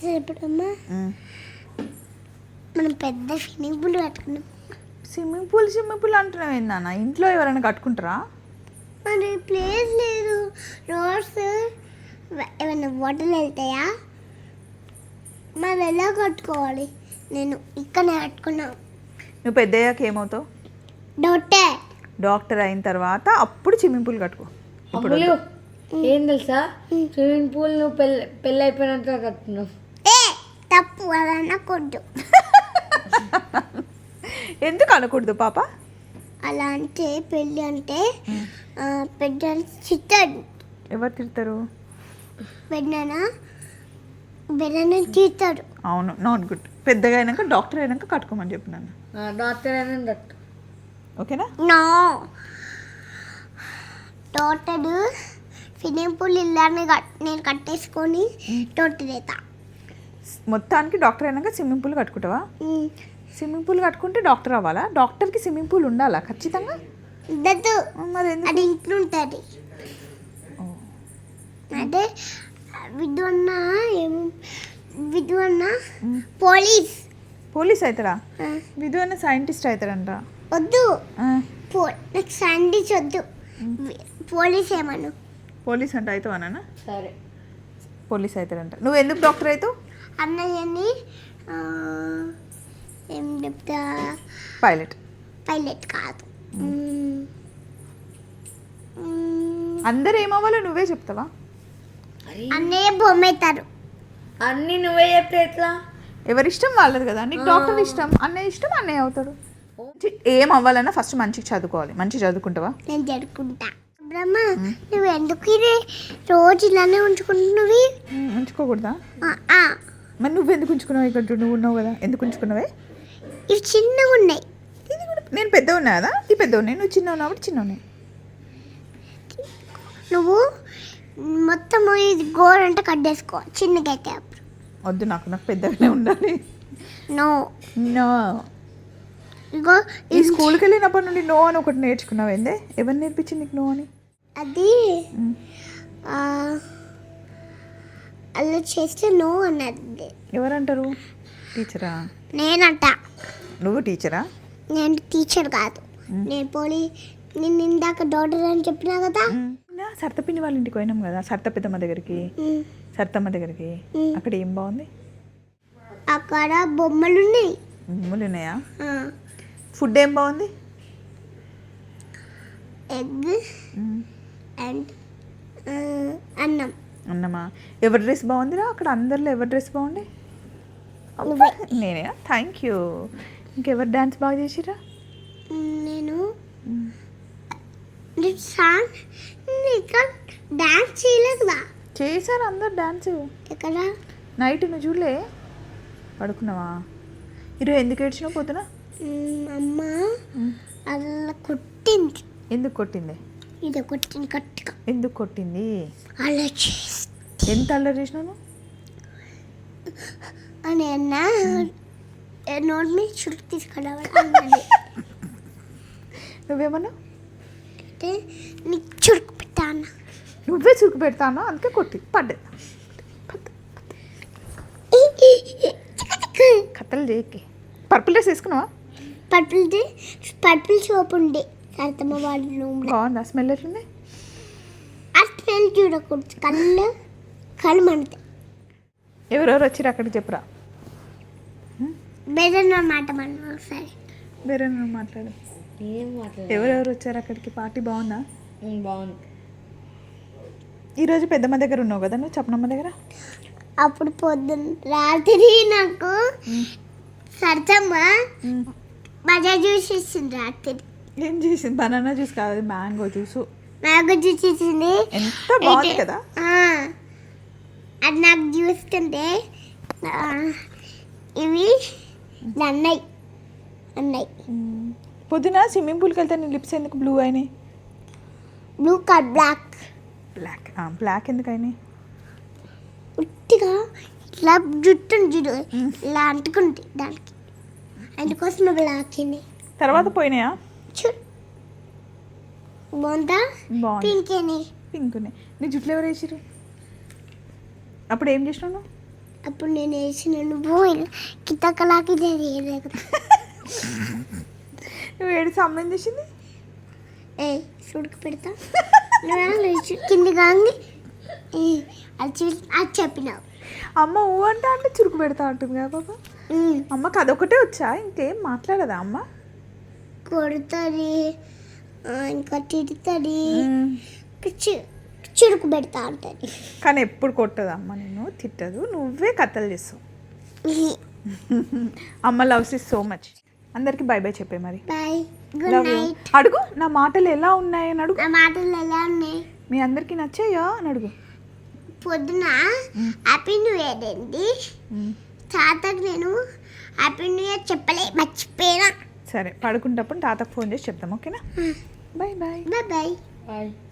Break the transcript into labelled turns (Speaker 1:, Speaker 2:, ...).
Speaker 1: ఎప్పుడమ్మా మనం పెద్ద swimming pool కట్టుకున్నాం.
Speaker 2: స్విమ్మింగ్ పూల్ అంటున్నావు ఏందన్న? ఇంట్లో ఎవరైనా కట్టుకుంటారా?
Speaker 1: మరి ప్లేస్ లేదు. రోడ్స్ ఏమైనా వాటర్లు వెళ్తాయా? మనం ఎలా కట్టుకోవాలి? నేను ఇక్కడనే కట్టుకున్నాను.
Speaker 2: నువ్వు పెద్ద అయ్యాక ఏమవుతావు? డాక్టర్ అయిన తర్వాత అప్పుడు స్విమ్మింగ్ పూల్ కట్టుకో. ఇప్పుడు
Speaker 3: ఏం తెలుసా, స్విమ్మింగ్ పూల్ నువ్వు పెళ్ళి అయిపోయినాక కట్టుకున్నావు.
Speaker 1: తప్పు, అలా అనకూడదు.
Speaker 2: ఎందుకు అనకూడదు పాప?
Speaker 1: అలా అంటే పెళ్ళి అంటే పెద్ద చిత్తాడు.
Speaker 2: ఎవరు తిడతారు?
Speaker 1: బెన్న తీస్తాడు.
Speaker 2: అవును, నాట్ గుడ్. పెద్దగా అయినాక డాక్టర్ అయినాక కట్టుకోమని చెప్పినాను.
Speaker 3: డాక్టర్ అయినా
Speaker 2: ఓకేనా?
Speaker 1: నో, డాక్టర్ స్విమ్మింగ్ పూల్ ఇల్లాన్ని నేను కట్టేసుకొని డాక్టర్ అవుతా.
Speaker 2: మొత్తానికి డాక్టర్ అయినాక స్విమ్మింగ్ పూల్ కట్టుకుంటావా? స్విమ్మింగ్ పూల్ కట్టుకుంటే డాక్టర్ అవ్వాలా? డాక్టర్కి స్విమ్మింగ్ పూల్ ఉండాలా ఖచ్చితంగా?
Speaker 1: ఉండదు.
Speaker 2: మరి
Speaker 1: అది ఇంట్లో ఉంటుంది. అదే విధు అన్న పోలీస్
Speaker 2: అవుతాడా? విధు అన్న సైంటిస్ట్ అవుతాడంట.
Speaker 1: వద్దు, నాకు సైంటిస్ట్ వద్దు. పోలీస్ ఏమను.
Speaker 2: పోలీస్ అంటే అవుతావు అన్న?
Speaker 3: సరే,
Speaker 2: పోలీస్ అవుతాడంట. నువ్వు ఎందుకు డాక్టర్ అవుతావు?
Speaker 1: అన్నయ్యని ఏం చెప్తా, పైలట్ కాదు.
Speaker 2: అందరు ఏమవ్వాలో నువ్వే చెప్తావా?
Speaker 1: అన్నయ్య బొమ్మ అవుతారు.
Speaker 3: అన్నీ నువ్వే చెప్తే ఎట్లా?
Speaker 2: ఎవరిష్టం వాళ్ళది కదా. నీకు డాక్టర్ ఇష్టం, అన్నయ్య ఇష్టం, అన్నయ్య అవుతాడు. ఏం అవ్వాలన్నా ఫస్ట్ మంచిగా చదువుకోవాలి. మంచిగా చదువుకుంటావా?
Speaker 1: నేను చదువుకుంటా. బ్రహ్మ, నువ్వు ఎందుకు ఇది రోజు ఇలానే ఉంచుకుంటున్నావు?
Speaker 2: ఉంచుకోకూడదా? మరి నువ్వెందుకు ఉంచుకున్నావు? ఇక్కడ నువ్వు ఉన్నావు కదా, ఎందుకు ఉంచుకున్నావే?
Speaker 1: ఇవి చిన్నగా ఉన్నాయి.
Speaker 2: ఇది కూడా నేను పెద్ద ఉన్నా కదా, ఈ పెద్ద ఉన్నాయి. నువ్వు చిన్న ఉన్నావు కాబట్టి చిన్న ఉన్నాయి.
Speaker 1: నువ్వు మొత్తం ఇది గోరంటే కట్టేసుకో, చిన్నగా అయితే అప్పుడు.
Speaker 2: వద్దు, నాకు పెద్దగానే ఉండాలి.
Speaker 1: No
Speaker 2: no.
Speaker 1: ఇగో
Speaker 2: ఈ స్కూల్కి వెళ్ళినప్పటి నుండి నో అని ఒకటి నేర్చుకున్నావు. ఏందే? ఎవరు నేర్పించింది నీకు నో అని?
Speaker 1: అది అలా చేస్తే నో అన్నది.
Speaker 2: ఎవరంటారు? టీచరా?
Speaker 1: నేనంట.
Speaker 2: నువ్వు టీచరా?
Speaker 1: నేను టీచర్ కాదు. నేను ఇందాక డాక్టర్ అని చెప్పినా కదా.
Speaker 2: సర్తపిండి వాళ్ళ ఇంటికి పోయినాం కదా, సర్తమ్మ దగ్గరికి. అక్కడ ఏం బాగుంది?
Speaker 1: అక్కడ బొమ్మలు ఉన్నాయి.
Speaker 2: బొమ్మలు ఉన్నాయా? ఫుడ్ ఏం బాగుంది?
Speaker 1: ఎగ్ అండ్
Speaker 2: అన్నమా? ఎవరి డ్రెస్ బాగుందిరా అక్కడ? అందరిలో ఎవరి డ్రెస్ బాగుంది? నేనే. Thank you. ఇంకెవరు డాన్స్ బాగా చేసిరా?
Speaker 1: నేను డాన్స్ చేయలేదుగా.
Speaker 2: చేశారు అందరు డాన్స్.
Speaker 1: ఎక్కడ?
Speaker 2: నైట్ నువ్వు చూడలే? పడుకున్నావా? ఈరోజు ఎందుకు ఏడ్చినావు పోతున్నా?
Speaker 1: అమ్మ అలా కొట్టింది.
Speaker 2: ఎందుకు కొట్టింది?
Speaker 1: ఇది కొట్టింది గట్టిగా.
Speaker 2: ఎందుకు కొట్టింది?
Speaker 1: అలా చేసి.
Speaker 2: ఎంత అల్లరి చేసినాను
Speaker 1: అని అన్నా నోట్ మీద చురుకు తీసుకురావాలి.
Speaker 2: నువ్వేమన్నా?
Speaker 1: నీకు చురుకు పెట్టాను.
Speaker 2: నువ్వే చురుకు పెడతాను, అందుకే కొట్టి పడ్డది. కథలు చేయకి. పర్పుల్ డ్రెస్ వేసుకున్నావా?
Speaker 1: పర్పుల్ సోప్ ఉండే సరతమ్మ వాళ్ళ రూమ్లో.
Speaker 2: బాగుందా? స్మెల్ ఎట్లుంది?
Speaker 1: ఆ స్మెల్ చూడకూడదు, కళ్ళు మండుతాయి.
Speaker 2: ఎవరెవరు వచ్చిరు అక్కడికి చెప్పురా.
Speaker 1: బేదన్న మాట మనం ఒకసారి.
Speaker 2: వేరే మాట్లాడు.
Speaker 3: ఏం మాట్లాడు?
Speaker 2: ఎవరెవరు వచ్చారు అక్కడికి? పార్టీ బాగుందా?
Speaker 3: బాగుంది.
Speaker 2: ఈరోజు పెద్దమ్మ దగ్గర ఉన్నావు కదా నువ్వు, చెప్పనమ్మ దగ్గర.
Speaker 1: అప్పుడు రాత్రి నాకు సరతమ్మ మజా జ్యూస్ ఇచ్చింది రాత్రి.
Speaker 2: ఏం చేసింది? బనానా జ్యూస్ కాదు, మ్యాంగో జ్యూస్.
Speaker 1: మ్యాంగో జ్యూస్ ఇచ్చింది.
Speaker 2: ఎంత బాగుంది కదా.
Speaker 1: అది నాకు చూస్తుంటే ఇవి అన్నాయి.
Speaker 2: పొద్దున స్విమ్మింగ్ పూల్కి వెళ్తే నీ లిప్స్ ఎందుకు బ్లూ అయినాయి?
Speaker 1: బ్లూ కాదు,
Speaker 2: బ్లాక్ ఎందుకు అయినాయి?
Speaker 1: ఉట్టిగా ఇట్లా జుట్టు ఇలా అంటుకుంది దానికి, అందుకోసం బ్లాక్ అయినాయి.
Speaker 2: తర్వాత పోయినాయా?
Speaker 1: బాగుందా? పింక్
Speaker 2: ఉన్నాయి. నీ జుట్లు ఎవరు వేసిరు? అప్పుడు ఏం చేసినావు?
Speaker 1: అప్పుడు నేను వేసిన నువ్వు కితకలాకి తెలియలేదు.
Speaker 2: నువ్వు ఏడు అమ్మ ఏం చేసింది?
Speaker 1: ఏ సుడికి పెడతా కింది కాంగి అది చెప్పినావు.
Speaker 2: అమ్మ ఊ అంటే చురుకు పెడతా ఉంటుంది కదా పాప. అమ్మకి అదొకటే వచ్చా, ఇంకేం మాట్లాడదా అమ్మ?
Speaker 1: కొడుతుంది, ఇంకా తిడుతుంది, చురుకు పెడతా ఉంటుంది.
Speaker 2: కానీ ఎప్పుడు కొట్టదు అమ్మ, నేను తిట్టదు, నువ్వే కథలు చేస్తావు. అమ్మ లవ్స్ ఇస్ సో మచ్. అందరికి బై బై చెప్పే మరి.
Speaker 1: Bye, good
Speaker 2: love you.
Speaker 1: Night.
Speaker 2: అడుగు నా మాటలు ఎలా ఉన్నాయని అడుగు.
Speaker 1: నా మాటలు ఎలా ఉన్నాయి?
Speaker 2: మీ అందరికి నచ్చాయా అని అడుగు.
Speaker 1: పొద్దున హ్యాపీ న్యూ ఇయర్ అండి. తాతకు నేను హ్యాపీ న్యూ ఇయర్ మర్చిపోయినా.
Speaker 2: సరే పడుకుంటప్పుడు తాతకు ఫోన్ చేసి చెప్తాం, ఓకేనా? Bye bye.
Speaker 1: Bye bye.
Speaker 3: Bye.